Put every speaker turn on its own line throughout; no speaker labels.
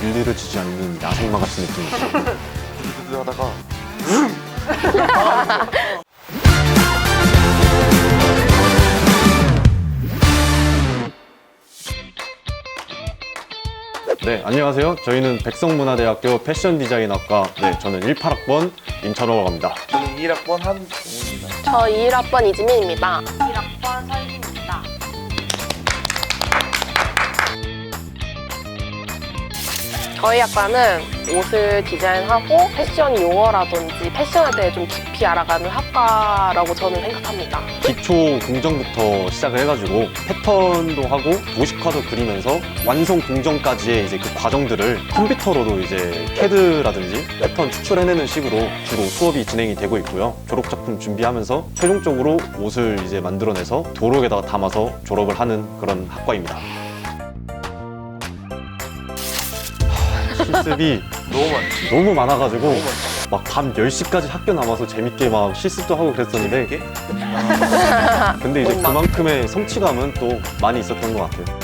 길들여 지지 않는 야생마 같은 느낌이죠.
드드드 하다가
네, 안녕하세요. 저희는 백성문화대학교 패션디자인학과, 저는 18학번 임찬호라고 합니다.
저는 1학번 한동훈입니다.
저 21학번 이지민입니다.
1학번 서희진입니다.
저희 학과는 옷을 디자인하고 패션 용어라든지 패션에 대해 좀 깊이 알아가는 학과라고 저는 생각합니다.
기초 공정부터 시작을 해가지고 패턴도 하고 도식화도 그리면서 완성 공정까지의 이제 그 과정들을 컴퓨터로도 이제 CAD라든지 패턴 추출해내는 식으로 주로 수업이 진행이 되고 있고요. 졸업 작품 준비하면서 최종적으로 옷을 이제 만들어내서 도록에다가 담아서 졸업을 하는 그런 학과입니다. 실습이
너무 많지.
너무 많아가지고
너무 많지.
막 밤 10시까지 학교 남아서 재밌게 막 실습도 하고 그랬었는데
이게?
근데 이제
엄마.
그만큼의 성취감은 또 많이 있었던 것 같아요.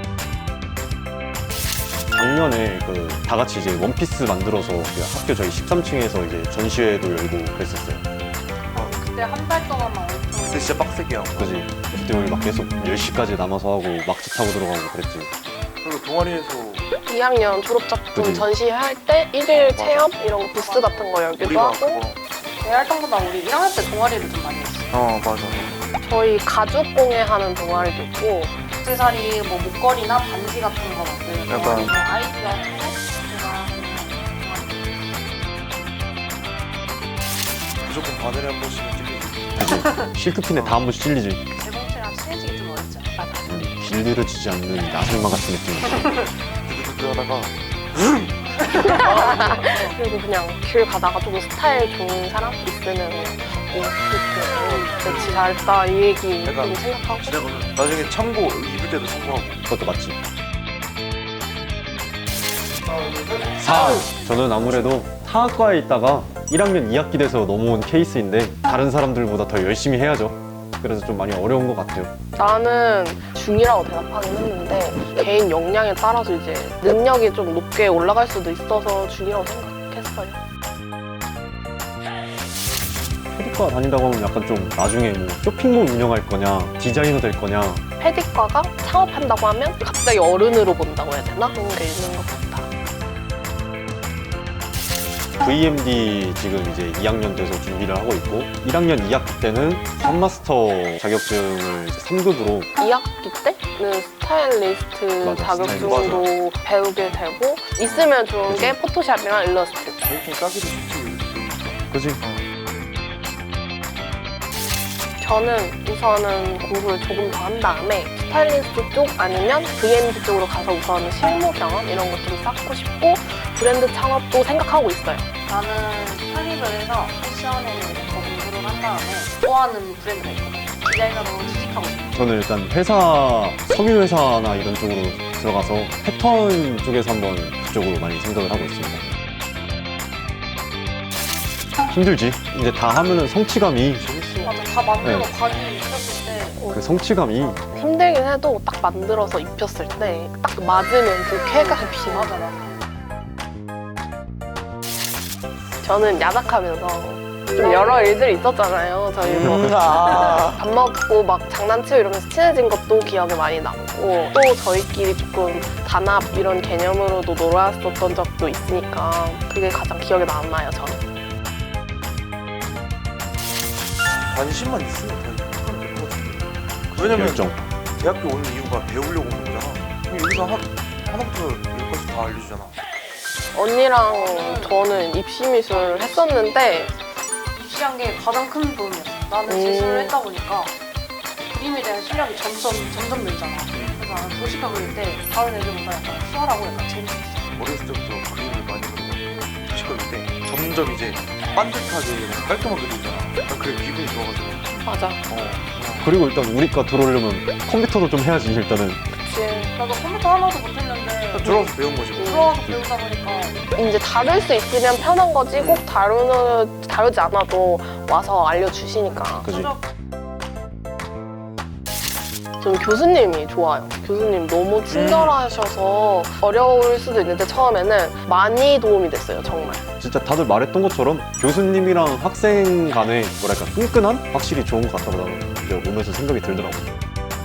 작년에 다 같이 이제 원피스 만들어서 그 학교 저희 13층에서 이제 전시회도 열고 그랬었어요.
그때 한 달 동안만 엄청
근데 진짜 빡세게 하고.
그지? 그때 우리 막 계속 10시까지 남아서 하고 막지 타고 들어가고 그랬지.
그리고 동아리에서
2학년 졸업작품
그치.
전시할 때 1일
맞아.
체험 이런 거 부스 같은 거 열기도
우리가
하고
그거.
대활동보다 우리 1학년 때 동아리를 좀 많이 했어.
맞아.
저희 가죽 공예 하는 동아리도 있고
액세서리, 뭐 목걸이나 반지 같은 거 만드는
약간-
동아리, 뭐 아이디어 제가
무조건 바늘에 한 번씩은 찔리지.
그지? 실크핀에 다 한 번씩 찔리지.
제공체랑 친해지기 좀 어렵죠. 맞아.
길들여 지지 않는 야생마 같은 느낌이죠.
드드드 하다가
그리고 그냥 길 가다가 조금 스타일 좋은 사람 있으면 그냥 이렇게 진짜 잘했다 이 얘기
약간
좀 생각하고
지나가면 나중에 참고 입을 때도 참고하고.
그것도 맞지. 4. 저는 아무래도 타학과에 있다가 1학년 2학기 돼서 넘어온 케이스인데 다른 사람들보다 더 열심히 해야죠. 그래서 좀 많이 어려운 것 같아요.
나는 중이라고 대답하긴 했는데 개인 역량에 따라서 이제 능력이 좀 높게 올라갈 수도 있어서 중이라고 생각했어요.
패디과 다닌다고 하면 약간 좀 나중에 뭐 쇼핑몰 운영할 거냐, 디자이너 될 거냐.
패디과가 창업한다고 하면 갑자기 어른으로 본다고 해야 되나? 그런 게 있는 것 같아.
VMD 지금 이제 2학년 돼서 준비를 하고 있고 1학년 2학기 때는 선마스터 자격증을 3급으로
2학기 때는 스타일리스트
맞아,
자격증도 배우게 되고 있으면 좋은
그치.
게 포토샵이랑 일러스트.
제일 따기도 쉽지.
그지?
저는 우선은 공부를 조금 더 한 다음에 스타일리스트 쪽 아니면 VMD 쪽으로 가서 우선은 실무 경험 이런 것 좀 쌓고 싶고 브랜드 창업도 생각하고 있어요.
나는 편입을 해서 패션에 더 공부를 한 다음에 좋아하는 브랜드가 있거든. 디자이너로 취직하고 싶어.
저는 일단 회사, 석유회사나 이런 쪽으로 들어가서 패턴 쪽에서 한번 그쪽으로 많이 생각을 하고 있습니다. 힘들지? 이제 다 하면은 성취감이,
재밌어.
맞아, 다 만들고
네.
바지 입혔을 때
그 성취감이
힘들긴 해도 딱 만들어서 입혔을 때 딱 맞으면 그 쾌감이
맞아, 맞아.
저는 야작하면서 좀 여러 일들이 있었잖아요. 저희 뭐 밥 먹고 막 장난치고 이러면서 친해진 것도 기억에 많이 남고 또 저희끼리 조금 단합 이런 개념으로도 놀았었던 적도 있으니까 그게 가장 기억에 남아요, 저는.
관심만 있으면 다 하면 될 것 같아. 왜냐면
열정.
대학교 오는 이유가 배우려고 오는 거잖아. 그럼 여기서 하나부터 열까지 다 알려주잖아.
언니랑 저는 입시미술 했었는데
입시한 게 가장 큰 도움이었어. 나는 재수를 했다 보니까 그림에 대한 실력이 점점 늘잖아. 그래서 나는 도시가 그릴 때 다른 애들보다 약간 수월하고 약간 재밌었어.
어렸을 때부터 그림을 많이 그리고 도시가 그릴 때 점점 이제 반듯하게 깔끔하게 그리잖아. 난 그게 기분이 좋아가지고.
맞아.
그리고 일단 우리과 들어오려면 컴퓨터도 좀 해야지, 일단은.
그치.
나도 컴퓨터 하나도 못했는데
들어와서 배운 거지. 뭐.
들어와서 배우다 보니까
이제 다룰 수 있으면 편한 거지 꼭 다루지 않아도 와서 알려주시니까.
그지?
저는 교수님이 좋아요. 교수님 너무 친절하셔서 어려울 수도 있는데 처음에는 많이 도움이 됐어요, 정말.
진짜 다들 말했던 것처럼 교수님이랑 학생 간의 뭐랄까 끈끈함? 확실히 좋은 것 같다고 나는 이제 오면서 생각이 들더라고요.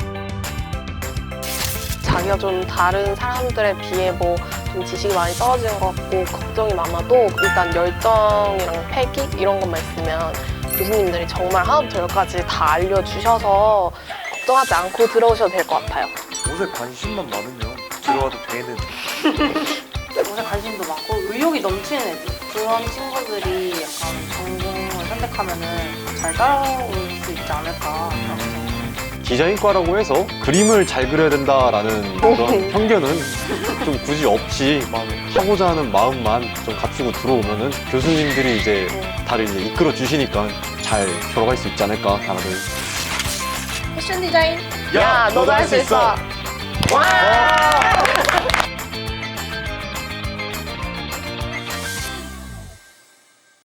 자기가 좀 다른 사람들에 비해 뭐 좀 지식이 많이 떨어지는 것 같고 걱정이 많아도 일단 열정이랑 패기 이런 것만 있으면 교수님들이 정말 하나부터 열까지 다 알려주셔서 걱정하지 않고 들어오셔도 될 것 같아요.
옷에 관심만 많으면 들어와도 되는.
옷에 관심도 많고 의욕이 넘치는 애들. 그런 친구들이 약간 전공을 선택하면은 잘 따라올 수 있지 않을까.
디자인과라고 해서 그림을 잘 그려야 된다라는 그런 편견은 좀 굳이 없이 하고자 하는 마음만 좀 갖추고 들어오면은 교수님들이 이제 다들 이제 이끌어 주시니까 잘 들어갈 수 있지 않을까 다들.
패션 디자인
야, 너도 할 수 있어. 와!